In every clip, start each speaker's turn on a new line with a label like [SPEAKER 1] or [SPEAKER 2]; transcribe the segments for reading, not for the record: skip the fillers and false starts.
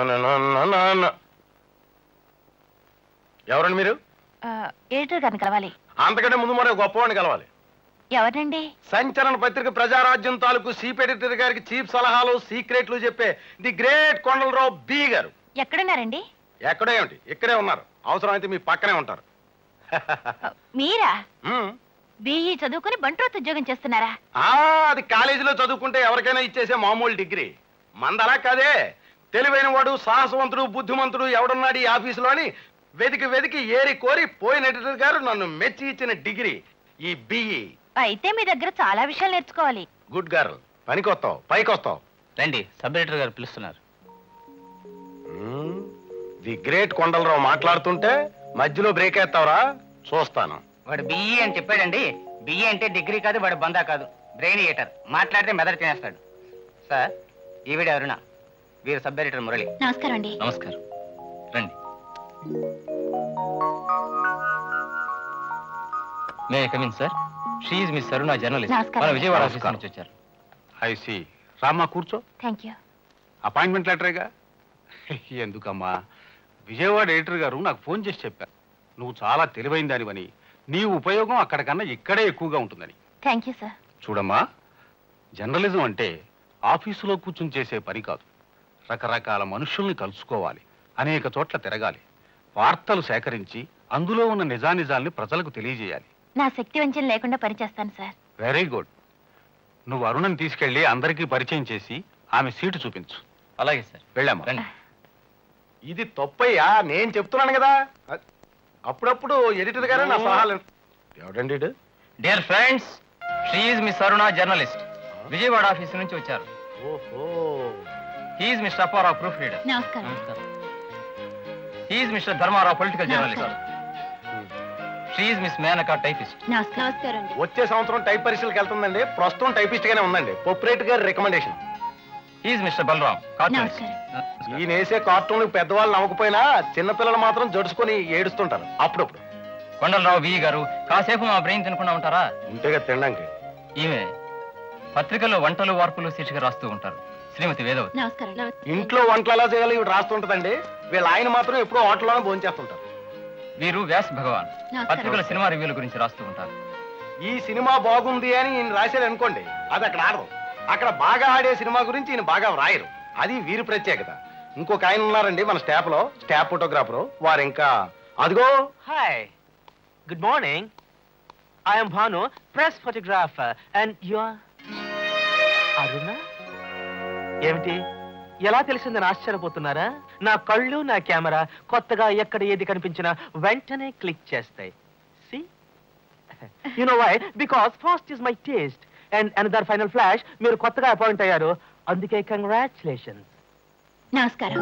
[SPEAKER 1] ఎవరండి మీరు?
[SPEAKER 2] ఎడిటర్ గారిని కలవాలి.
[SPEAKER 1] అంతకంటే ముందు మరో గొప్పవాడిని కలవాలి.
[SPEAKER 2] ఎవరండి?
[SPEAKER 1] సంచలన పత్రిక ప్రజారాజ్యం తాలూకు చీఫ్ ఎడిటర్ గారికి చీఫ్ సలహాలు సీక్రెట్లు చెప్పే ది గ్రేట్ కొండలరావు బి గారు.
[SPEAKER 2] ఎక్కడున్నారండి?
[SPEAKER 1] ఎక్కడే ఏమిటి, ఇక్కడే ఉన్నారు. అవసరమైతే మీ పక్కనే ఉంటారు.
[SPEAKER 2] మీరా? బిఈ చదువుకుని బంట్రోత్ ఉద్యోగం చేస్తున్నారా?
[SPEAKER 1] అది కాలేజీలో చదువుకుంటే ఎవరికైనా ఇచ్చేసే మామూలు డిగ్రీ. మందలా కాదే, తెలివైన వాడు, సాహసవంతుడు, బుద్ధిమంతుడు ఎవడున్నాడు ఈ ఆఫీసులో అని వెతికి వెతికి ఏరి కోరి పోయిన ఎడిటర్ గారు నన్ను మెచ్చి ఇచ్చిన డిగ్రీ ఈ బిఈ.
[SPEAKER 2] అయితే మీ దగ్గర చాలా విషయాలు నేర్చుకోవాలి.
[SPEAKER 1] గుడ్ గర్ల్, పనికొస్తావు, పైకి వస్తావు.
[SPEAKER 3] రండి, సబ్ ఎడిటర్ గారు పిలుస్తున్నారు.
[SPEAKER 1] ది గ్రేట్ కొండలరావు మాట్లాడుతుంటే మధ్యలో బ్రేక్ వేస్తావురా? చూస్తాను.
[SPEAKER 3] వాడు బిఈ అని చెప్పాడండి. బిఈ అంటే డిగ్రీ కాదు, వాడు బందా కాదు, బ్రెయిన్ ఈటర్. మాట్లాడితే మెదడు తినేస్తాడు. సార్, ఈవిడ అరుణ, వీరు సబ్ ఎడిటర్ మురళి.
[SPEAKER 2] నమస్కారం అండి.
[SPEAKER 3] నమస్కారం, రండి. May I come in sir? She is miss Aruna, journalist. మన విజయవాడ ఆఫీస్ నుంచి వచ్చారు.
[SPEAKER 1] I see. రామ్మా, కూర్చో.
[SPEAKER 2] Thank you.
[SPEAKER 1] అపాయింట్మెంట్ లెటరేగా. ఎందుకమ్మా, విజయవాడ ఎడిటర్ గారు నాకు ఫోన్ చేసి చెప్పారు నువ్వు చాలా తెలివైన దానివని, నీ ఉపయోగం అక్కడికన్నా ఇక్కడే ఎక్కువగా ఉంటుందని.
[SPEAKER 2] Thank you sir.
[SPEAKER 1] చూడమ్మా, జర్నలిజం అంటే ఆఫీసులో కూర్చుని చేసే పని కాదు. రకరకాల మనుషుల్ని కలుసుకోవాలి, అనేక చోట్ల తిరగాలి, వార్తలు సేకరించి అందులో ఉన్న నిజానిజాల్ని ప్రజలకు తెలియజేయాలి.
[SPEAKER 2] నా శక్తి వంచన లేకుండా పనిచేస్తాను సార్.
[SPEAKER 1] Very good. నువ్వు అరుణని తీసుకెళ్లి అందరికీ పరిచయం చేసి ఆమె సీటు చూపించు.
[SPEAKER 3] అలాగే సార్.
[SPEAKER 1] వెళ్ళామా?
[SPEAKER 3] రండి.
[SPEAKER 1] ఇది తప్పయ్యా, నేను చెప్తున్నాను కదా. అప్పుడప్పుడు ఎడిటర్ గారే నా సలహాలు. ఎవడండి?
[SPEAKER 3] Dear friends, she is miss Aruna, journalist. Vijayawada office నుంచి వచ్చారు.
[SPEAKER 1] ఓహో.
[SPEAKER 3] He is mister Apparao, proof reader.
[SPEAKER 2] నమస్కారం.
[SPEAKER 3] He is mister Dharmarao, political journalist. She is miss Menaka, typist.
[SPEAKER 2] నమస్కారం.
[SPEAKER 1] వచ్చే సంవత్సరం టైప్ పరీక్షలకు వెళ్తుందండి. ప్రస్తుతం టైపిస్ట్ గానే ఉందండి. పొప్రేట్ గారి recommendation.
[SPEAKER 3] He is mister Balaram, cartoonist.
[SPEAKER 1] ఈయన వేసే కార్టూన్లకు పెద్దవాళ్ళు నవ్వకపోయినా చిన్నపిల్లలు మాత్రం జడుచుకొని ఏడుస్తుంటారు అప్పుడప్పుడు.
[SPEAKER 3] కొండలరావు వి గారు, కాసేపు మా బ్రెయిన్ తినకుండా ఉంటారా?
[SPEAKER 1] ఉంటేగా తినడానికి.
[SPEAKER 3] ఈమె పత్రికల్లో వంటలు వార్పులు శీర్షిక రాస్తూ ఉంటారు, శ్రీమతి వేదవతి.
[SPEAKER 2] నమస్కారం.
[SPEAKER 1] ఇంట్లో వంటలు ఎలా చేయాలి ఇవి రాస్తుంటదండి. వీళ్ళ ఆయన మాత్రం ఎప్పుడో హోటల్లోనే భోంచేస్తుంటారు.
[SPEAKER 3] వీరు వ్యాస్ భగవాన్, పత్రికల సినిమా రివ్యూల గురించి రాస్తూ ఉంటారు.
[SPEAKER 1] ఈ సినిమా బాగుంది అని ఈయన రాశారు అనుకోండి, అది అక్కడ ఆడరు. అక్కడ బాగా ఆడే సినిమా గురించి ఈయన బాగా వ్రాయరు. అది వీరి ప్రత్యేకత. ఇంకొక ఆయన ఉన్నారండి మన స్టాఫ్ లో, స్టాఫ్ ఫోటోగ్రాఫర్. వారు ఇంకా అదిగో.
[SPEAKER 4] Hi, good morning. I am Bhanu, press photographer, and you are Aruna. ఏమిటి, ఎలా తెలిసిందని ఆశ్చర్యపోతున్నారా? నా కళ్ళు, నా కెమెరా కొత్తగా ఎక్కడ ఏది కనిపించినా వెంటనే క్లిక్ చేస్తాయి. See? You know why? Because fast is my taste. And another final flash, మీరు కొత్తగా అపాయింట్ అయ్యారు, అందుకే కంగ్రాచులేషన్స్.
[SPEAKER 2] నమస్కారం.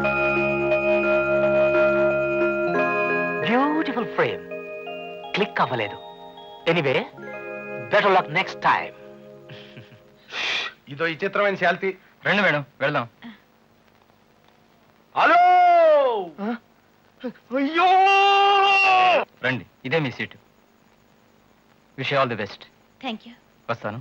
[SPEAKER 4] బ్యూటిఫుల్ ఫ్రేమ్, క్లిక్ అవ్వలేదు. Anyway, better luck next time.
[SPEAKER 1] ఇదో విచిత్రమైన శాల్తీ.
[SPEAKER 3] రండి మేడం, వెళ్దాం.
[SPEAKER 1] హలో. అయ్యో,
[SPEAKER 3] రండి, ఇదే మీ seat. Wish all the best.
[SPEAKER 2] Thank you.
[SPEAKER 3] వస్తాను.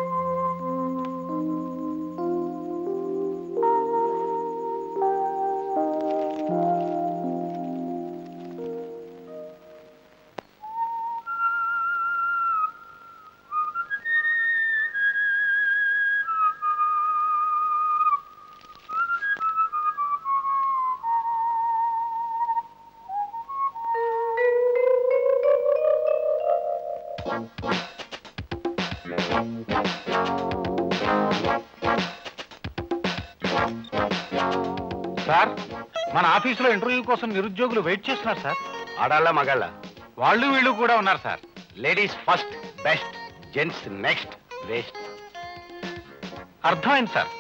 [SPEAKER 1] సార్, మన ఆఫీసులో ఇంటర్వ్యూ కోసం నిరుద్యోగులు వెయిట్ చేస్తున్నారు సార్. ఆడాళ్ళ మగాళ్ళ? వాళ్ళు వీళ్ళు కూడా ఉన్నారు sir. Ladies first, best, gents next, waste. అర్థమైంది sir.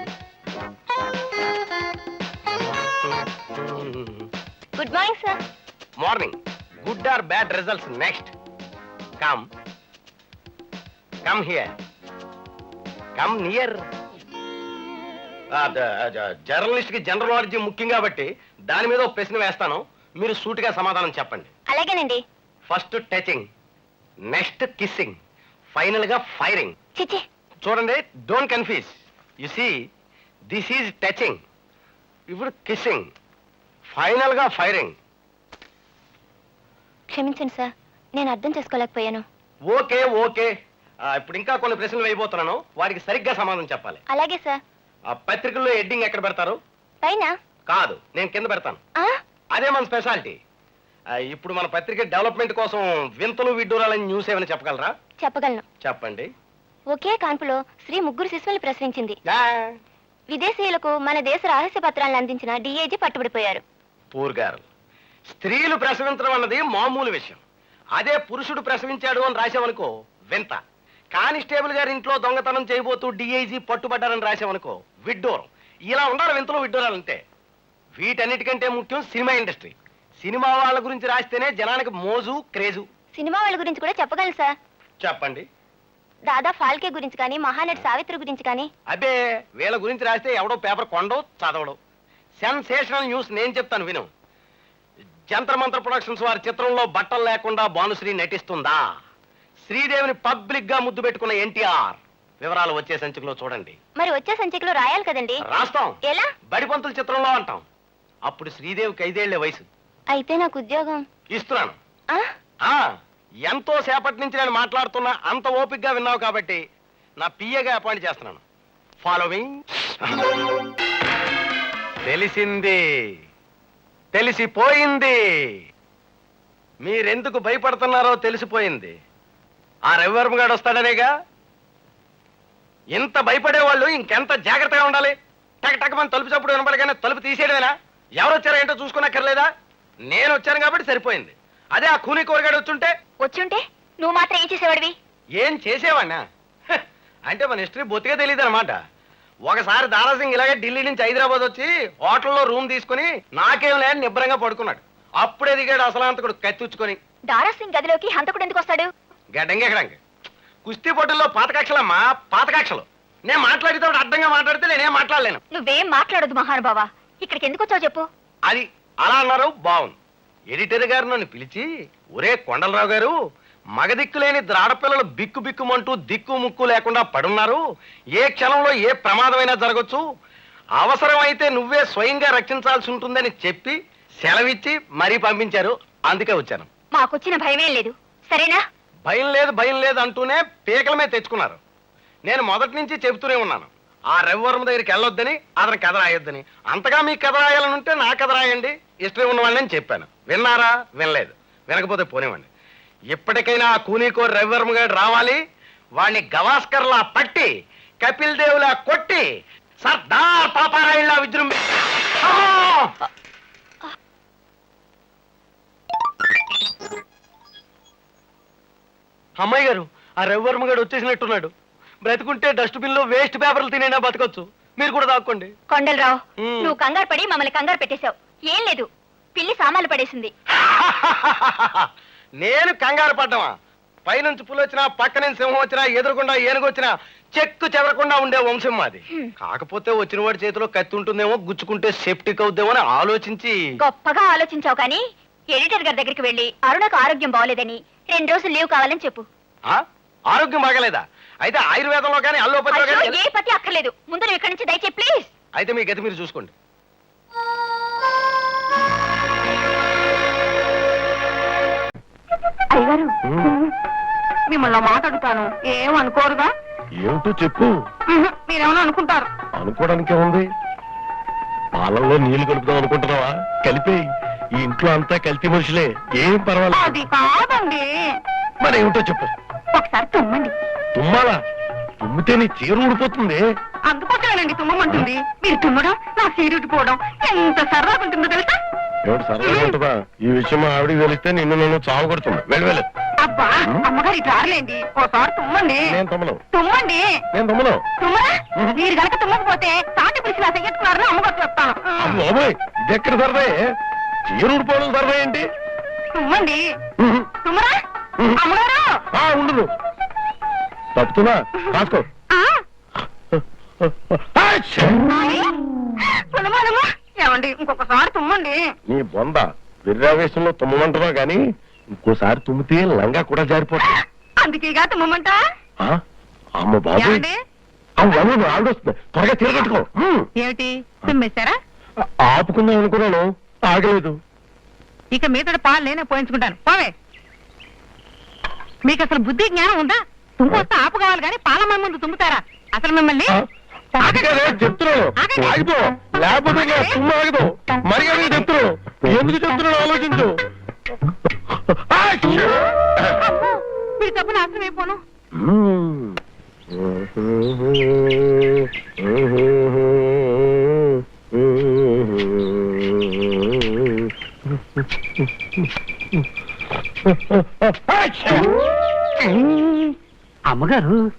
[SPEAKER 2] Good morning sir.
[SPEAKER 1] Morning. Good or bad results next. Come come here, come near. Journalist కి జనరల్ నాలెడ్జ్ ముఖ్యం కాబట్టి దాని మీద ఒక ప్రశ్న వేస్తాను, మీరు సూటిగా సమాధానం చెప్పండి.
[SPEAKER 2] అలాగేనండి.
[SPEAKER 1] First touching, next kissing, final గా ఫైరింగ్.
[SPEAKER 2] చిచి.
[SPEAKER 1] చూడండి, don't confuse. You see, this is touching, ఇప్పుడు కిస్సింగ్, ఫైనల్ గా ఫైరింగ్.
[SPEAKER 2] క్షమించండి సార్, నేను అర్థం చేసుకోలేకపోయాను.
[SPEAKER 1] Okay okay. ఇప్పుడు ఇంకా కొన్ని ప్రశ్నలు వేయబోతున్నాను, వాటికి సరిగ్గా సమాధానం చెప్పాలి.
[SPEAKER 2] అలాగే సార్.
[SPEAKER 1] ఆ పత్రికల్లో హెడ్డింగ్ ఎక్కడ పెడతారు?
[SPEAKER 2] పైన.
[SPEAKER 1] కాదు, నేను కింద పెడతాను.
[SPEAKER 2] ఆ?
[SPEAKER 1] అదే మన స్పెషాలిటీ. ఇప్పుడు మన పత్రిక డెవలప్మెంట్ కోసం వింతలు విడ్డూరాలని న్యూస్ ఏమైనా చెప్పగలరా?
[SPEAKER 2] చెప్పగలను.
[SPEAKER 1] చెప్పండి.
[SPEAKER 2] ఒకే కాన్పులో స్త్రీ 3 శిశువుల్ని ప్రసవించింది.
[SPEAKER 1] ఆ,
[SPEAKER 2] విదేశీయులకు మన దేశ రహస్య పత్రాలను అందించిన డిఐజీ పట్టుబడిపోయారు.
[SPEAKER 1] పూర్ గారు, స్త్రీలు ప్రసవించడం అన్నది మామూలు విషయం. అదే పురుషుడు ప్రసవించాడు అని రాసామనుకో వింత. కానిస్టేబుల్ గారి ఇంట్లో దొంగతనం చేయబోతూ డిఐజీ పట్టుబడ్డారని రాసామనుకో విడ్డూరం. ఇలా ఉండాలి వింతలు విడ్డూరాలంటే. వీటన్నిటికంటే ముఖ్యం సినిమా ఇండస్ట్రీ. సినిమా వాళ్ళ గురించి రాస్తేనే జనానికి మోజు క్రేజు.
[SPEAKER 2] సినిమా వాళ్ళ గురించి కూడా చెప్పగలను సార్.
[SPEAKER 1] చెప్పండి.
[SPEAKER 2] దాదా ఫాల్కే గురించి కానీ, మహానటి సావిత్రి గురించి కానీ.
[SPEAKER 1] అబ్బే, వీళ్ళ గురించి రాస్తే ఎవడో పేపర్ కొండో చదవడు. సెన్సేషనల్ న్యూస్ నేను చెప్తాను విను. జంతర్ మంత్ర ప్రొడక్షన్స్ వారి చిత్రంలో బట్టలు లేకుండా భానుశ్రీ నటిస్తుందా? శ్రీదేవిని పబ్లిక్ గా ముద్దు పెట్టుకున్న ఎన్టీఆర్. వివరాలు వచ్చే సంచికలో చూడండి.
[SPEAKER 2] మరి వచ్చే సంచికలో రాయాలి కదండి.
[SPEAKER 1] రాస్తాం.
[SPEAKER 2] ఎలా?
[SPEAKER 1] బడిపంతుల చిత్రంలో అంటాం. అప్పుడు శ్రీదేవికి 5 ఏళ్లే వయసు.
[SPEAKER 2] అయితే నాకు ఉద్యోగం
[SPEAKER 1] ఇస్తున్నాను.
[SPEAKER 2] ఆ?
[SPEAKER 1] ఆ, ఎంతో సేపటి నుంచి నేను మాట్లాడుతున్నా, అంత ఓపిగ్గా విన్నావు కాబట్టి నా పిఏగా అపాయింట్ చేస్తున్నాను. ఫాలోవింగ్. తెలిసింది, తెలిసిపోయింది. మీరెందుకు భయపడుతున్నారో తెలిసిపోయింది. ఆ రవివర్మ గారు వస్తాడనేగా. ఇంత భయపడేవాళ్ళు ఇంకెంత జాగ్రత్తగా ఉండాలి. టక్ టక్ మన తలుపు చప్పుడు వినపడగానే తలుపు తీసేయడమేనా? ఎవరు వచ్చారో ఏంటో చూసుకున్నక్కర్లేదా? నేను వచ్చాను కాబట్టి సరిపోయింది. అదే ఆ కూని కూరగాడు వచ్చుంటే.
[SPEAKER 2] వచ్చుంటే నువ్వు మాత్రం ఏం చేసేవాడివి?
[SPEAKER 1] ఏం చేసేవాడినా? అంటే మన హిస్టరీ బొత్తిగా తెలియదు అనమాట. ఒకసారి దారాసింగ్ ఇలాగే ఢిల్లీ నుంచి హైదరాబాద్ వచ్చి హోటల్లో రూమ్ తీసుకుని నాకేం లేని నిబ్బరంగా పడుకున్నాడు. అప్పుడే దిగాడు అసలాంతకుడు కత్తిచ్చుకొని.
[SPEAKER 2] దారాసింగ్ గదిలోకి హంతకుడు ఎందుకు వస్తాడు?
[SPEAKER 1] గడ్డంగెక్కడంగా కుస్తీ పోటీల్లో పాతకక్షలమ్మా, పాతకక్షలు. నేను మాట్లాడితే అడ్డంగా మాట్లాడితే నేనేం మాట్లాడలేను.
[SPEAKER 2] నువ్వేం మాట్లాడదు మహానుభావా. ఇక్కడికి ఎందుకు వచ్చావు చెప్పు.
[SPEAKER 1] అది అలా అన్నారు, బాగుంది. ఎడిటర్ గారు నన్ను పిలిచి, ఒరే కొండలరావు గారు, మగదిక్కు లేని ఆడపిల్లలు బిక్కు బిక్కుమంటూ దిక్కు ముక్కు లేకుండా పడున్నారు. ఏ క్షణంలో ఏ ప్రమాదమైనా జరగచ్చు. అవసరమైతే నువ్వే స్వయంగా రక్షించాల్సి ఉంటుందని చెప్పి సెలవిచ్చి మరీ పంపించారు. అందుకే వచ్చాను.
[SPEAKER 2] మాకొచ్చిన భయమేం లేదు, సరేనా?
[SPEAKER 1] భయం లేదు అంటూనే పీకల మీద తెచ్చుకున్నారు. నేను మొదటి నుంచి చెబుతూనే ఉన్నాను, ఆ రవివర్మ దగ్గరికి వెళ్ళొద్దని, అతని కథ రాయొద్దని. అంతగా మీ కథ రాయాలనుంటే నా కథ రాయండి, ఇష్టం ఉన్నవాళ్ళని చెప్పాను. విన్నారా? వినలేదు. వినకపోతే పోనివ్వండి. ఇప్పటికైనా ఆ కూనీకోరు రవివర్మ గారు రావాలి. వాడిని గవాస్కర్లా పట్టి, కపిల్ దేవులా కొట్టి, సర్దార్ పాపారాయుళ్లా విజృంభి. అమ్మాయి గారు, ఆ రవివర్మ గారు వచ్చేసినట్టున్నాడు. బ్రతుకుంటే డస్ట్బిన్ లో వేస్ట్ పేపర్లు తినైనా బతకొచ్చు. మీరు కూడా దాక్కోండి.
[SPEAKER 2] కొండలరావు,
[SPEAKER 1] మ్.
[SPEAKER 2] నువ్వు కంగారు పడి మమ్మల్ని కంగారు పెట్టేశావు. ఏం లేదు, పిల్లి సామాన్లు పడేసింది.
[SPEAKER 1] నేను కంగారు పడ్డమా? పైనుంచి పులి వచ్చినా, పక్కన సింహం వచ్చినా, ఎదురుకుండా ఏనుగు వచ్చినా చెక్కు చెదరకుండా ఉండే వంశం మాది. కాకపోతే వచ్చిన వాడి చేతిలో కత్తి ఉంటుందేమో, గుచ్చుకుంటే సెప్టిక్ అవుద్దేమో అని ఆలోచించి.
[SPEAKER 2] గొప్పగా ఆలోచించావు కానీ ఎడిటర్ గారి దగ్గరికి వెళ్ళి అరుణకు ఆరోగ్యం బాగోలేదని 2 రోజులు లీవ్ కావాలని చెప్పు.
[SPEAKER 1] ఆ? ఆరోగ్యం బాగలేదా? అయితే ఆయుర్వేదంలో కానీ అల్లోపతిలో
[SPEAKER 2] అయ్యో,
[SPEAKER 1] కానీ.
[SPEAKER 2] ఏ పతి అక్కర్లేదు, ముందు నువ్వు ఇక్కడి నుంచి దయచే ప్లీజ్.
[SPEAKER 1] అయితే మీ గతి మీరు చూసుకోండి.
[SPEAKER 2] అయ్యగారు, మిమ్మల్ని మాట్లాడుతాను, ఏమనుకోరుగా?
[SPEAKER 5] ఏమిటో చెప్పు.
[SPEAKER 2] మీరేమన్నా అనుకుంటారు?
[SPEAKER 5] అనుకోవడానికి ఏముంది? పాలల్లో నీళ్లు కలుపుదాం అనుకుంటున్నావా? కలిపేయి. ఈ ఇంట్లో అంతా కల్తీ మనుషులే, ఏం పర్వాలేదు.
[SPEAKER 2] అది కాదండి.
[SPEAKER 5] మరి ఏమిటో చెప్పు.
[SPEAKER 2] ఒకసారి తుమ్మండి.
[SPEAKER 5] తుమ్మాలా? తుమ్మితే నీ చీర ఊడిపోతుంది.
[SPEAKER 2] అందుకోసమేనండి తుమ్మమంటుంది. మీరు తుమ్మడం, నా సీరుటిపోవడం ఎంత సరదాగా ఉంటుందో తెలుసా?
[SPEAKER 5] ఏమిటి సరదాగా ఉంటుందా? ఈ విషయం మా ఆవిడికి తెలిస్తే నిన్ను నన్ను చావు కొడుతున్నా. వెళ్ళి
[SPEAKER 2] అబ్బా, అమ్మగారు ఇటు రారులేండి, ఓసారి తుమ్మండి.
[SPEAKER 5] నేను తమ్మను.
[SPEAKER 2] తుమ్మండి.
[SPEAKER 5] నేను తమ్మను.
[SPEAKER 2] తుమ్మరా? మీరు కనుక తుమ్మకపోతే తాటి పిలిచి నా చెయ్యట్టున్నారని అమ్మగారు చెప్తాను.
[SPEAKER 5] బాబోయ్, ఇది ఎక్కడ సరదాయే? చీర ఊడిపోవడం సరదా ఏంటి?
[SPEAKER 2] తుమ్మండి. తుమ్మరా? అమ్మగారు.
[SPEAKER 5] ఉండదు. తప్పుతున్నా కాసుకో.
[SPEAKER 2] ఆ, తుమ్మనమ్మా. ఏమండి, ఇంకొకసారి తుమ్మండి.
[SPEAKER 5] నీ బొంద విర్రావేశంలో తుమ్మంటున్నావు గాని ఇంకోసారి తుమ్మితే లంగా కూడా జారిపోతుంది.
[SPEAKER 2] అందుకేగా తుమ్మమంట.
[SPEAKER 5] అమ్మ బాబు,
[SPEAKER 2] ఏమండి?
[SPEAKER 5] ఆవిడొస్తుంది. త్వరగా తిరగట్టుకో.
[SPEAKER 2] ఏమిటి తుమ్మేశారా?
[SPEAKER 5] ఆపుకుందాం అనుకున్నాను, ఆగలేదు.
[SPEAKER 6] ఇక మీతో పాలు నేనే పోయించుకుంటాను. పోవే. మీకు అసలు బుద్ధి జ్ఞానం ఉందా? తుమ్ము ఆపు కావాలి కానీ పాలమ్మ ముందు తుమ్ముతారా? అసలు మిమ్మల్ని
[SPEAKER 5] అది కాదే చెప్తున్నాను, ఆగిపో, లేకపోతే నా తుమ్ము ఆగదు. మరి అది చెప్తున్నాను, ఎందుకు చెప్తున్నాను ఆలోచించు.
[SPEAKER 6] మీరు తప్పు నాశనం అయిపోను.
[SPEAKER 3] అమ్మగారు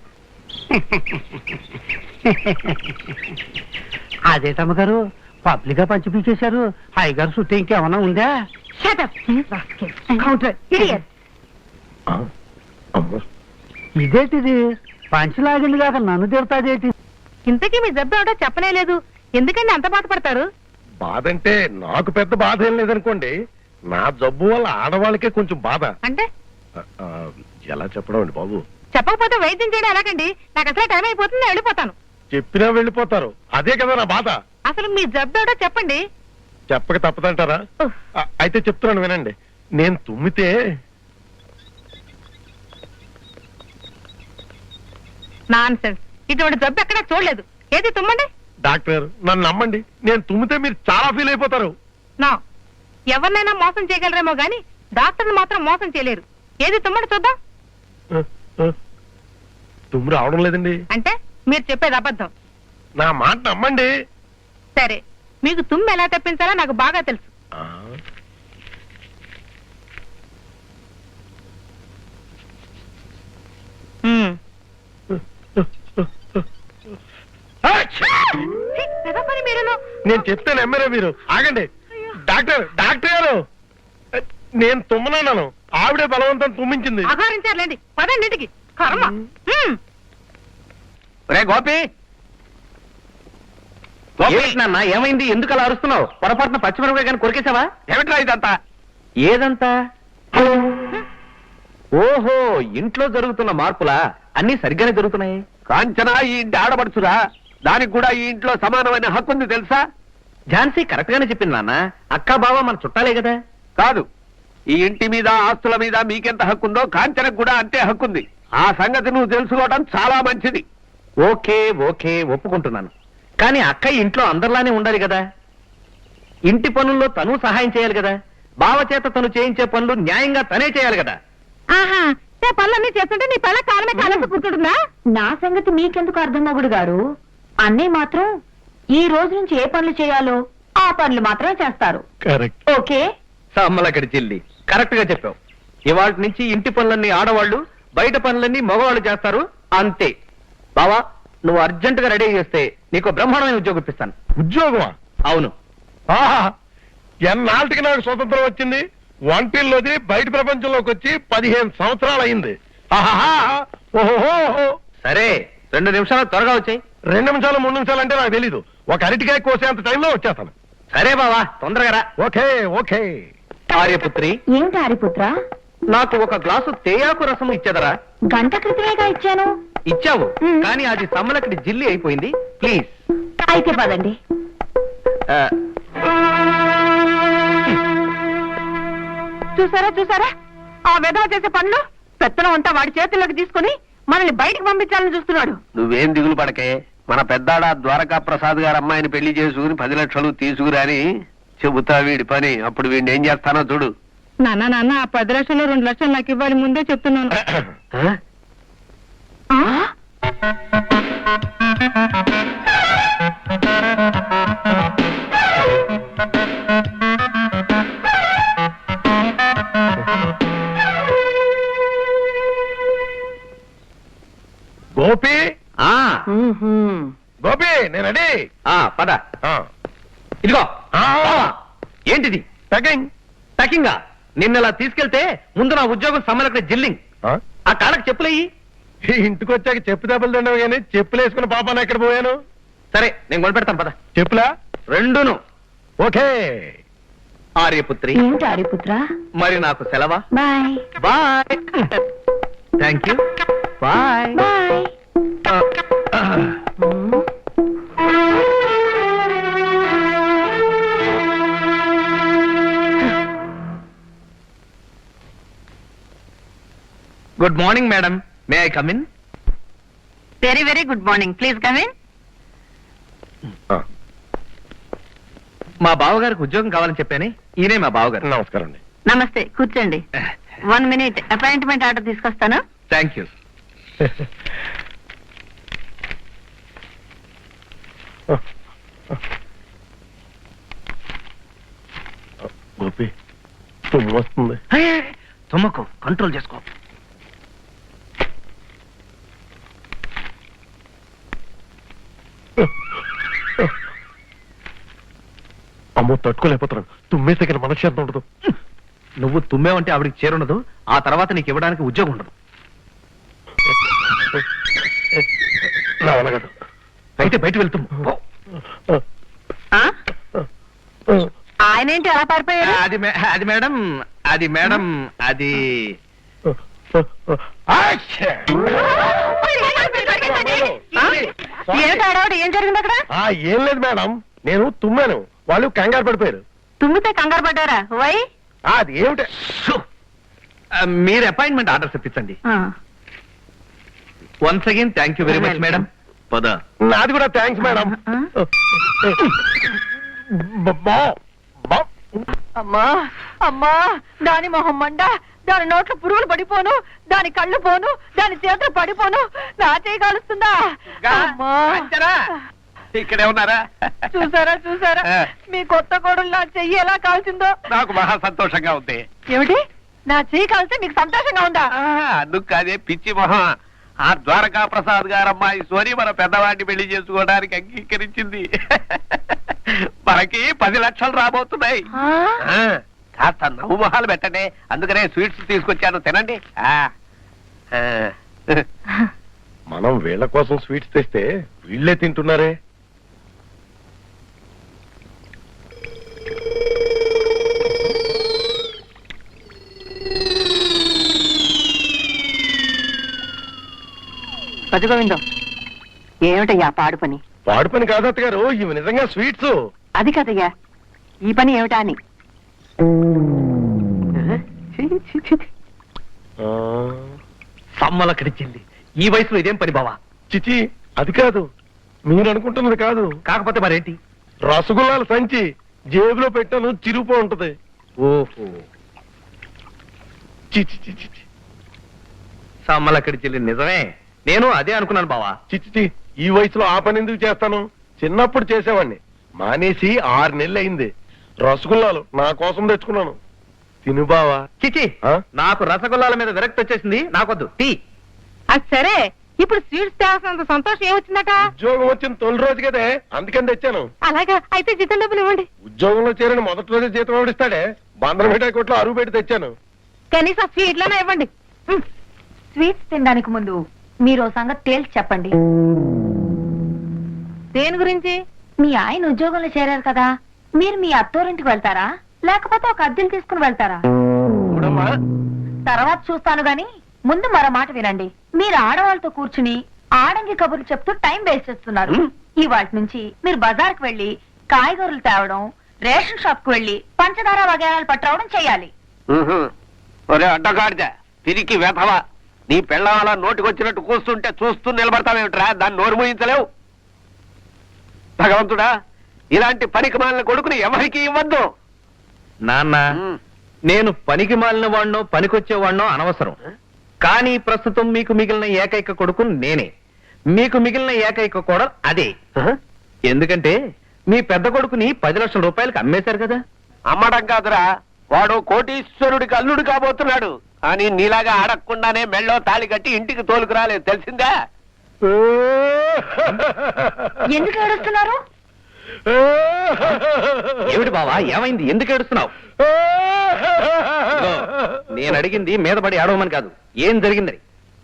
[SPEAKER 3] అదేటమ్మగారు పబ్లిక్ గా పంచి పీకేశారు. హైగారు చుట్టూ ఇంకేమన్నా ఉందా?
[SPEAKER 6] Shut up, counter, idiot.
[SPEAKER 3] ఇదేంటిది పంచలాగింది కాక నన్ను తిడతాదేటి?
[SPEAKER 6] ఇంతకీ మీ జబ్బు ఏమిటో చెప్పనే లేదు. ఎందుకండి అంత బాధపడతారు?
[SPEAKER 5] బాధంటే నాకు పెద్ద బాధ ఏం లేదనుకోండి, నా జబ్బు వల్ల ఆడవాళ్ళకే కొంచెం బాధ.
[SPEAKER 6] అంటే
[SPEAKER 5] ఆ, ఎలా చెప్పడం అండి బాబు?
[SPEAKER 6] చెప్పకపోతే వైద్యం చేయడం ఎలాగండి? నాకు అసలు టైం అయిపోతుంది, నేను వెళ్ళిపోతాను.
[SPEAKER 5] చెప్పినా వెళ్ళిపోతారు, అదే కదా నా బాధ.
[SPEAKER 6] అసలు మీ జబ్బు ఏమిటో చెప్పండి.
[SPEAKER 5] చెప్పక తప్పదంటారా?
[SPEAKER 6] ఉఫ్.
[SPEAKER 5] అయితే చెప్తున్నాను వినండి. నేను తుమ్మితే
[SPEAKER 6] నాన్సెన్స్. ఇటువంటి జబ్బు ఎక్కడా చూడలేదు. ఏది తుమ్మండి.
[SPEAKER 5] డాక్టర్ నన్ను నమ్మండి, నేను తుమ్మితే మీరు చాలా ఫీల్ అయిపోతారు.
[SPEAKER 6] నా ఎవరినైనా మోసం చేయగలరేమో గాని డాక్టర్ని మాత్రం మోసం చేయలేరు. ఏది తుమ్మండి చూద్దాం.
[SPEAKER 5] తుమ్ము రావడం లేదండి.
[SPEAKER 6] అంటే మీరు చెప్పేది అబద్ధం.
[SPEAKER 5] నా మాట నమ్మండి.
[SPEAKER 6] సరే, మీకు తుమ్ము ఎలా తెప్పించాలో నాకు బాగా తెలుసు.
[SPEAKER 5] ఆ,
[SPEAKER 6] మ్మ్.
[SPEAKER 5] అచ్చా!
[SPEAKER 6] ఛీ, ఏదో పని మీరును.
[SPEAKER 5] నేను చెప్తే నమ్మరే మీరు. ఆగండి డాక్టర్, డాక్టర్ గారు, నేను తుమ్మనన్నాను, ఆవిడే బలవంతం తుమ్మించింది.
[SPEAKER 6] అఘోరించారులేండి. పదండి ఇంటికి. కర్మ. మ్మ్.
[SPEAKER 3] రే గోపి, నాన్న ఏమైంది? ఎందుకు అలా అరుస్తున్నావు? పొరపాటున పచ్చిమిరపకాయ కానీ కొరికేసావా? ఏమిట్రా ఇదంతా? ఏదంతా? ఓహో, ఇంట్లో జరుగుతున్న మార్పులా? అన్ని సరిగ్గానే జరుగుతున్నాయి.
[SPEAKER 1] కాంచనా ఈ ఇంటి ఆడబడుచురా, దానికి కూడా ఈ ఇంట్లో సమానమైన హక్కు ఉంది తెలుసా?
[SPEAKER 3] ఝాన్సీ కరెక్ట్ గానే చెప్పింది నాన్న. అక్క బావ మన చుట్టాలే కదా.
[SPEAKER 1] కాదు, ఈ ఇంటి మీద ఆస్తుల మీద మీకెంత హక్కుందో కాంచనకు కూడా అంతే హక్కుంది. ఆ సంగతి నువ్వు తెలుసుకోవడం చాలా మంచిది.
[SPEAKER 3] ఓకే ఓకే, ఒప్పుకుంటున్నాను. కానీ అక్క ఇంట్లో అందరిలానే ఉండాలి కదా. ఇంటి పనుల్లో తను సహాయం చేయాలి కదా. బావ చేత తను చేయించే పనులు న్యాయంగా తనే చేయాలి కదా.
[SPEAKER 6] ఆహా, నా పనులన్నీ చేస్తుంటే నీ పళ్ళ కాలమే కాలంతో కూర్చుంటుందా?
[SPEAKER 2] నా సంగతి మీకెందుకు అర్థం మొగుడు గారు? అన్నయ్య మాత్రం ఈ రోజు నుంచి ఏ పనులు చేయాలో ఆ పనులు మాత్రమే చేస్తారు.
[SPEAKER 5] కరెక్ట్.
[SPEAKER 2] ఓకే.
[SPEAKER 3] సమ్మలక్కడి చెల్లి, కరెక్ట్ గా చెప్పావు. ఇవాళ నుంచి ఇంటి పనులన్నీ ఆడవాళ్ళు, బయట పనులన్నీ మగవాళ్ళు చేస్తారు, అంతే. బావా, నువ్వు అర్జెంట్ గా రెడీ చేస్తే నీకు బ్రహ్మాండమైన ఉద్యోగం ఇప్పిస్తాను.
[SPEAKER 5] ఉద్యోగమా?
[SPEAKER 3] అవును.
[SPEAKER 5] ఆహా, ఎన్నాళ్ళకి నాకు స్వతంత్రం వచ్చింది. వంటిల్లోది బయట ప్రపంచంలోకి వచ్చి 15 సంవత్సరాలు అయింది. ఆహాహా, ఓహోహో.
[SPEAKER 3] సరే, 2 నిమిషాలు త్వరగా వచ్చాయి.
[SPEAKER 5] 2 నిమిషాలు 3 నిమిషాలు అంటే నాకు తెలీదు. ఒక అరటికాయ కోసేంత టైంలో వచ్చేస్తాను.
[SPEAKER 3] సరే బావా, తొందరగా రా.
[SPEAKER 5] Okay okay.
[SPEAKER 3] ఆర్యపుత్రి,
[SPEAKER 2] ఏమిటి హరిపుత్ర?
[SPEAKER 3] నాకు ఒక గ్లాసు తేయాకు రసం ఇచ్చేదరా?
[SPEAKER 2] గంట క్రితమేగా ఇచ్చాను.
[SPEAKER 3] ఇచ్చావు,
[SPEAKER 2] మ్.
[SPEAKER 3] కానీ అది సమ్మలక్కడి జిల్లి అయిపోయింది. ప్లీజ్.
[SPEAKER 2] అయితే పదండి.
[SPEAKER 6] చూసారా చూసారా ఆ విధవ చేసే పనులు? పెత్తనం అంతా వాడి చేతుల్లోకి తీసుకుని మనల్ని బయటకు పంపించాలని చూస్తున్నాడు.
[SPEAKER 1] నువ్వేం దిగులు పడకే, మన పెద్దాడ ద్వారకా ప్రసాద్ గారు అమ్మాయిని పెళ్లి చేసుకుని 10 లక్షలు తీసుకురాని చెబుతా వీడి పని. అప్పుడు వీడిని ఏం చేస్తానో చూడు.
[SPEAKER 6] నాన్న ఆ 10 లక్షలు 2 లక్షలు నాకు ఇవ్వాలి, ముందే చెప్తున్నాను. ఆ?
[SPEAKER 5] గోపి,
[SPEAKER 3] ఆ,
[SPEAKER 5] గోపి, నేను రెడీ.
[SPEAKER 3] పద.
[SPEAKER 5] ఆ,
[SPEAKER 3] ఇదిగో.
[SPEAKER 5] ఆ.
[SPEAKER 3] బావా, ఏంటిది?
[SPEAKER 5] టకింగ్.
[SPEAKER 3] టకింగా? నిన్నలా తీసుకెళ్తే ముందు నా ఉద్యోగం సమ్మలక్కడి జిల్లింగ్.
[SPEAKER 5] ఆ?
[SPEAKER 3] ఆ కాళ్ళకి చెప్పులేయి.
[SPEAKER 5] ఈ ఇంటికి వచ్చాక చెప్పు దెబ్బలు తిన్నావు కానీ చెప్పులు వేసుకున్న పాపాను ఎక్కడ పోయాను?
[SPEAKER 3] సరే, నేను కొనిపెడతాను పద.
[SPEAKER 5] చెప్పులా?
[SPEAKER 3] రెండును.
[SPEAKER 5] ఓకే.
[SPEAKER 3] ఆర్యపుత్రి,
[SPEAKER 2] ఏమిటి హరిపుత్ర?
[SPEAKER 3] మరి నాకు సెలవా?
[SPEAKER 2] Bye
[SPEAKER 3] bye. Thank you. Bye.
[SPEAKER 2] Bye.
[SPEAKER 3] Good morning madam, may I come in?
[SPEAKER 6] Very very good morning, please come in.
[SPEAKER 3] మా బావగారికి ఉద్యోగం కావాలని చెప్పాను, ఈయనే మా బావగారు.
[SPEAKER 5] నమస్కారం అండి.
[SPEAKER 6] నమస్తే, కూర్చోండి. 1 minute అపాయింట్మెంట్ ఆర్డర్ తీసుకొస్తాను.
[SPEAKER 3] Thank you.
[SPEAKER 5] గోపి తుమ్ము వస్తుంది.
[SPEAKER 3] తుమ్మకు, కంట్రోల్ చేసుకో.
[SPEAKER 5] అమ్మో తట్టుకోలేకపోతున్నాను. తుమ్మేస్తే కానీ మనశ్శాంతి ఉండదు.
[SPEAKER 3] నువ్వు తుమ్మేవంటే ఆవిడికి చేరుండదు, ఆ తర్వాత నీకు ఇవ్వడానికి ఉద్యోగం ఉండదు.
[SPEAKER 5] నా వల్ల కాదు.
[SPEAKER 3] అయితే బయట వెళ్తాము.
[SPEAKER 6] ఆ? ఆయన ఏంటి అలా పారిపోయారు?
[SPEAKER 3] అది మేడం, అది
[SPEAKER 6] ఏమిటి ఆడవాడు, ఏం జరిగింది అక్కడ?
[SPEAKER 5] ఏం లేదు మేడం, నేను తుమ్మాను, వాళ్ళు కంగారు పడిపోయారు.
[SPEAKER 6] తుమ్మితే కంగారు పడ్డారా? వై?
[SPEAKER 5] అది ఏమిటి?
[SPEAKER 3] మీరు అపాయింట్మెంట్ ఆర్డర్స్ ఇప్పించండి. Once again thank you very much madam. పద.
[SPEAKER 5] నాది కూడా థ్యాంక్స్ మేడం.
[SPEAKER 6] అమ్మా అమ్మా, దాని మొహం మండ, దాని నోట్లో పురుగులు పడిపోను, దాని కళ్ళు పోను, దాని చేతులు పడిపోను, నా చేయి కాలుస్తుందా? అమ్మా.
[SPEAKER 3] ఇక్కడే ఉన్నారా?
[SPEAKER 6] చూసారా చూసారా, మీ కొత్త కోడలు నా చెయ్యి ఎలా కాల్చిందో.
[SPEAKER 3] నాకు మహా సంతోషంగా ఉంది.
[SPEAKER 6] ఏమిటి, నా చెయ్యి కాల్స్తే మీకు సంతోషంగా ఉందా?
[SPEAKER 3] అందుకు కాదే పిచ్చి మొహం, ఆ ద్వారకా ప్రసాద్ గారమ్మాయి సోని మన పెద్దవాడిని పెళ్లి చేసుకోవడానికి అంగీకరించింది. మనకి 10 లక్షలు రాబోతున్నాయి. కాస్త నవ్వు మొహాలు పెట్టండి, అందుకనే స్వీట్స్ తీసుకొచ్చాను, తినండి.
[SPEAKER 5] మనం వీళ్ళ కోసం స్వీట్స్ తెస్తే వీళ్ళే తింటున్నారే.
[SPEAKER 6] పదిగోవిందం, ఏమిటయ్యా పాడు పని?
[SPEAKER 5] పాడు పని కాదు అత్తగారు, ఇవి నిజంగా స్వీట్స్.
[SPEAKER 6] అది కదయ్యా, ఈ పని ఏమిటా అని.
[SPEAKER 3] సమ్మలక్కడిచ్చింది. ఈ వయసులో ఇదేం పని బావా?
[SPEAKER 5] చిచి, అది కాదు, మీరు అనుకుంటున్నది కాదు.
[SPEAKER 3] కాకపోతే మరేంటి?
[SPEAKER 5] రసగుల్లాల సంచి జేబులో పెట్టాను, చిరుపో ఉంటది.
[SPEAKER 3] ఓహో,
[SPEAKER 5] చిచి చిచి చిచి.
[SPEAKER 3] సమ్మలక్కడిచ్చింది నిజమే, నేను అదే అనుకున్నాను బావా.
[SPEAKER 5] చిచి, ఈ వయసులో ఆ పని ఎందుకు చేస్తాను? చిన్నప్పుడు చేసేవాడిని, మానేసి 6 నెలలు అయింది. రసగుల్లాలు నా కోసం తెచ్చుకున్నాను, తిను బావా.
[SPEAKER 3] చిచి,
[SPEAKER 5] ఆ?
[SPEAKER 3] నాకు రసగుల్లాల మీద విరక్తి వచ్చేసింది, నాకొద్దు టీ.
[SPEAKER 6] అది సరే, ఇప్పుడు స్వీట్స్ తేవాల్సినంత సంతోషం ఏమొచ్చిందట?
[SPEAKER 5] ఉద్యోగం వచ్చిన తొలి రోజు కదే, అందుకని తెచ్చాను.
[SPEAKER 6] అలాగా, అయితే జీతం డబ్బులు ఇవ్వండి.
[SPEAKER 5] ఉద్యోగంలో చేరిన మొదటి రోజే జీతం ఎవడిస్తాడే? బందరం మిఠాయి కొట్లో అరువు పెట్టి తెచ్చాను.
[SPEAKER 6] కనీసం స్వీట్లనే ఇవ్వండి.
[SPEAKER 2] స్వీట్స్ తినడానికి ముందు మీరు ఓ సంగతి తేల్చి చెప్పండి.
[SPEAKER 6] దేని గురించి?
[SPEAKER 2] మీ ఆయన ఉద్యోగంలో చేరారు కదా, మీరు మీ అత్తోరింటికి వెళ్తారా, లేకపోతే ఒక అద్దెలు తీసుకుని వెళ్తారా?
[SPEAKER 5] చూడమ్మా,
[SPEAKER 2] తర్వాత చూస్తాను గాని ముందు మరో మాట వినండి. మీరు ఆడవాళ్ళతో కూర్చుని ఆడంగి కబుర్లు చెప్తూ టైం వేస్ట్ చేస్తున్నారు. ఇవాటి నుంచి మీరు బజార్కి వెళ్లి కాయగూరలు తేవడం, రేషన్ షాప్ కు వెళ్లి పంచదార వగేరాలు పట్టవడం చేయాలి.
[SPEAKER 3] ఒరే అడ్డగాడిద, తిరిగి వెధవా, నీ పెళ్ళం అలా నోటికొచ్చినట్టు కూస్తుంటే చూస్తూ నిలబడతావేమిట్రా? దాన్ని నోరు మూయించలేవు. భగవంతుడా, ఇలాంటి పనికి మాలిన కొడుకుని ఎవరికి ఇవ్వద్దు. నాన్న, నేను పనికి మాలిన వాడినో పనికొచ్చేవాడినో అనవసరం, కానీ ప్రస్తుతం మీకు మిగిలిన ఏకైక కొడుకు నేనే. మీకు మిగిలిన ఏకైక కోడలు అదే. ఎందుకంటే మీ పెద్ద కొడుకుని 10 లక్షల రూపాయలకు అమ్మేశారు కదా. అమ్మడం కాదురా, వాడు కోటీశ్వరుడికి అల్లుడు కాబోతున్నాడు. కానీ నీలాగా అడగకుండానే మెళ్ళో తాళి కట్టి ఇంటికి తోలుకు రాలేదు, తెలిసిందా?
[SPEAKER 2] ఎందుకు ఏడుస్తున్నారు?
[SPEAKER 3] ఏమిటి బావా, ఏమైంది? ఎందుకు ఏడుస్తున్నావు? నేను అడిగింది మీద పడి ఆడవమని కాదు, ఏం జరిగిందని.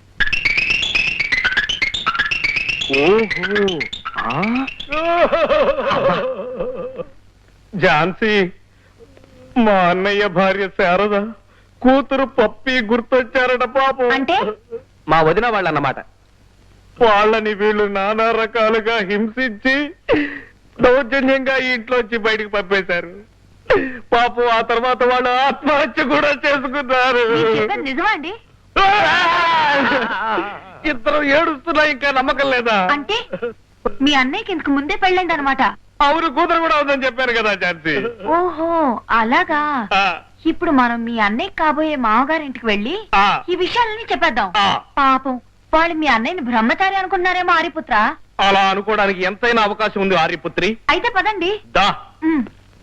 [SPEAKER 5] ఝాన్సీ, మా అన్నయ్య భార్య శారద కూతురు పప్పి గుర్తొచ్చారట పాపం.
[SPEAKER 2] అంటే
[SPEAKER 3] మా వదిన వాళ్ళు అన్నమాట.
[SPEAKER 5] వాళ్ళని వీళ్ళు నానా రకాలుగా హింసించి దౌర్జన్యంగా ఇంట్లోంచి బయటికి పంపేశారు. పాపం ఆ తర్వాత వాళ్ళు ఆత్మహత్య కూడా చేసుకున్నారు.
[SPEAKER 2] మీరు చెప్పేది నిజమా అండి?
[SPEAKER 3] ఇద్దరు ఏడుస్తున్నా ఇంకా నమ్మకం లేదా?
[SPEAKER 2] అంటే మీ అన్నయ్యకి ఇంతకు ముందే పెళ్ళైందనమాట.
[SPEAKER 3] అవును, కూతురు కూడా ఉందని చెప్పాను కదా ఝాన్సీ.
[SPEAKER 2] ఓహో అలాగా.
[SPEAKER 3] ఆ,
[SPEAKER 2] ఇప్పుడు మనం మీ అన్నయ్య కాబోయే మామగారింటికి వెళ్ళి
[SPEAKER 3] ఆ.
[SPEAKER 2] ఈ విషయాలన్నీ చెప్పేద్దాం.
[SPEAKER 3] ఆ.
[SPEAKER 2] పాపం వాళ్ళు మీ అన్నయ్యని బ్రహ్మచారి అనుకుంటున్నారేమో ఆరిపుత్ర.
[SPEAKER 3] అలా అనుకోవడానికి ఎంతైనా అవకాశం ఉంది ఆర్యపుత్రి.
[SPEAKER 2] అయితే పదండి.
[SPEAKER 3] దా.
[SPEAKER 2] ఉమ్.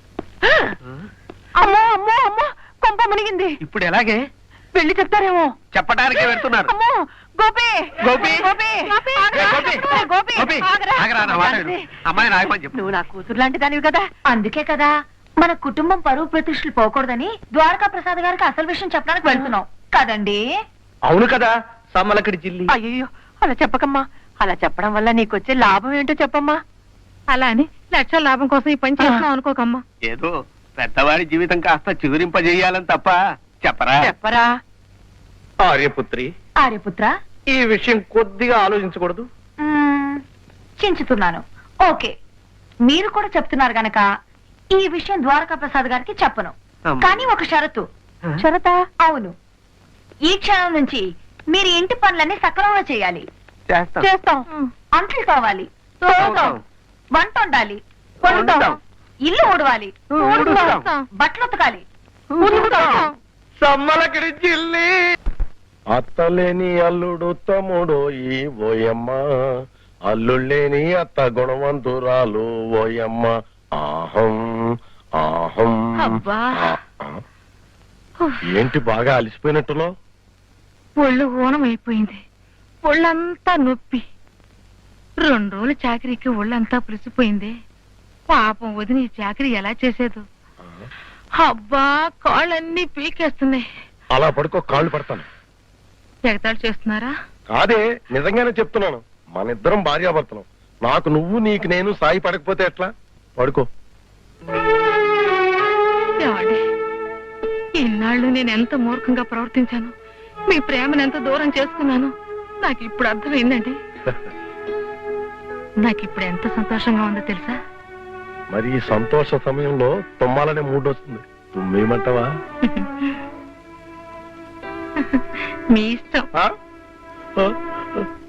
[SPEAKER 6] అమ్మో అమ్మో అమ్మో కొంప మునిగింది.
[SPEAKER 3] ఇప్పుడు ఎలాగే?
[SPEAKER 6] వెళ్ళి చెప్తారేమో.
[SPEAKER 3] చెప్పడానికే వెళ్తున్నారు.
[SPEAKER 6] అమ్మో గోపి
[SPEAKER 3] గోపి!
[SPEAKER 6] గోపి ఆగరా.
[SPEAKER 3] గోపి!
[SPEAKER 6] గోపి
[SPEAKER 3] గోపి!
[SPEAKER 6] ఆగరా.
[SPEAKER 3] ఆగరా, నా మాట విను. అమ్మాయి నాయకమని చెప్పు.
[SPEAKER 6] నువ్వు నా కూతురు లాంటి దానివి కదా.
[SPEAKER 2] అందుకే కదా మన కుటుంబం పరువు ప్రతిష్టలు పోకూడదని ద్వారకా ప్రసాద్ గారికి అసలు విషయం చెప్పడానికి వెళ్తున్నాం కదండి.
[SPEAKER 3] అవును కదా, సమ్మలకడి జిల్లి.
[SPEAKER 6] అయ్యో అలా చెప్పకమ్మా. అలా చెప్పడం వల్ల నీకొచ్చే లాభం ఏంటో చెప్పమ్మా. అలా అని లక్షల లాభం కోసం ఈ పని చేస్తున్నావు అనుకోకమ్మా.
[SPEAKER 3] ఏదో పెద్దవాడి జీవితం కాస్త చిగురింపజేయాలని తప్ప చెప్పరా?
[SPEAKER 6] చెప్పరా.
[SPEAKER 3] ఆర్యపుత్రి,
[SPEAKER 2] ఆర్యపుత్ర
[SPEAKER 3] ఈ విషయం కొద్దిగా ఆలోచించకూడదు?
[SPEAKER 2] చించుతున్నాను. ఓకే, మీరు కూడా చెప్తున్నారు గనక ఈ విషయం ద్వారకా ప్రసాద్ గారికి చెప్పను.
[SPEAKER 3] అమ్మా.
[SPEAKER 2] కానీ ఒక షరతు.
[SPEAKER 6] షరతా?
[SPEAKER 2] అవును, ఈ క్షణం నుంచి మీరు ఇంటి పనులన్నీ సక్రమంగా చేయాలి.
[SPEAKER 3] చేస్తాం.
[SPEAKER 6] చేస్తాం.
[SPEAKER 2] అంట్లు కావాలి,
[SPEAKER 3] తోముతాం.
[SPEAKER 2] వంట వండాలి,
[SPEAKER 3] వండుతాం.
[SPEAKER 2] ఇల్లు ఊడవాలి,
[SPEAKER 3] ఊడుస్తాం.
[SPEAKER 2] బట్టలు ఉతకాలి.
[SPEAKER 3] సమ్మలకడి జిల్లి.
[SPEAKER 5] అత్తలేని అల్లుడు తమ్ముడు ఈ ఓయమ్మ, అల్లుళ్ళేని అత్త గుణవంతురాలు ఓయమ్మ. ఆహం ఆహం.
[SPEAKER 6] అబ్బా.
[SPEAKER 5] ఆ. ఏంటి బాగా అలసిపోయినట్టులో?
[SPEAKER 6] ఒళ్ళు ఊనం అయిపోయింది. ఒళ్ళంతా నొప్పి. 2 రోజులు చాకరీకి ఒళ్ళంతా పులిసిపోయింది. పాపం వదిన ఈ చాకరీ ఎలా చేసేదు. అబ్బా కాళ్ళన్నీ పీకేస్తున్నాయి.
[SPEAKER 5] అలా పడుకో, కాళ్ళు పడతాను.
[SPEAKER 6] ఎగతాళి చేస్తున్నారా?
[SPEAKER 5] కాదే, నిజంగానే చెప్తున్నాను. మన ఇద్దరం భార్యాభర్తలం. నాకు నువ్వు, నీకు నేను సాయి పడకపోతే ఎట్లా? పడుకో.
[SPEAKER 6] ఏమండి, ఇన్నాళ్ళు నేను ఎంత మూర్ఖంగా ప్రవర్తించాను, మీ ప్రేమను ఎంత దూరం చేసుకున్నాను నాకు ఇప్పుడు అర్థమైందండి. నాకు ఇప్పుడు ఎంత సంతోషంగా ఉందో తెలుసా?
[SPEAKER 5] మరి ఈ సంతోష సమయంలో తుమ్మాలనే మూడ్ వస్తుంది. తుమ్మేయమంటావా?
[SPEAKER 6] మీ ఇష్టం.
[SPEAKER 5] ఆ? ఆ?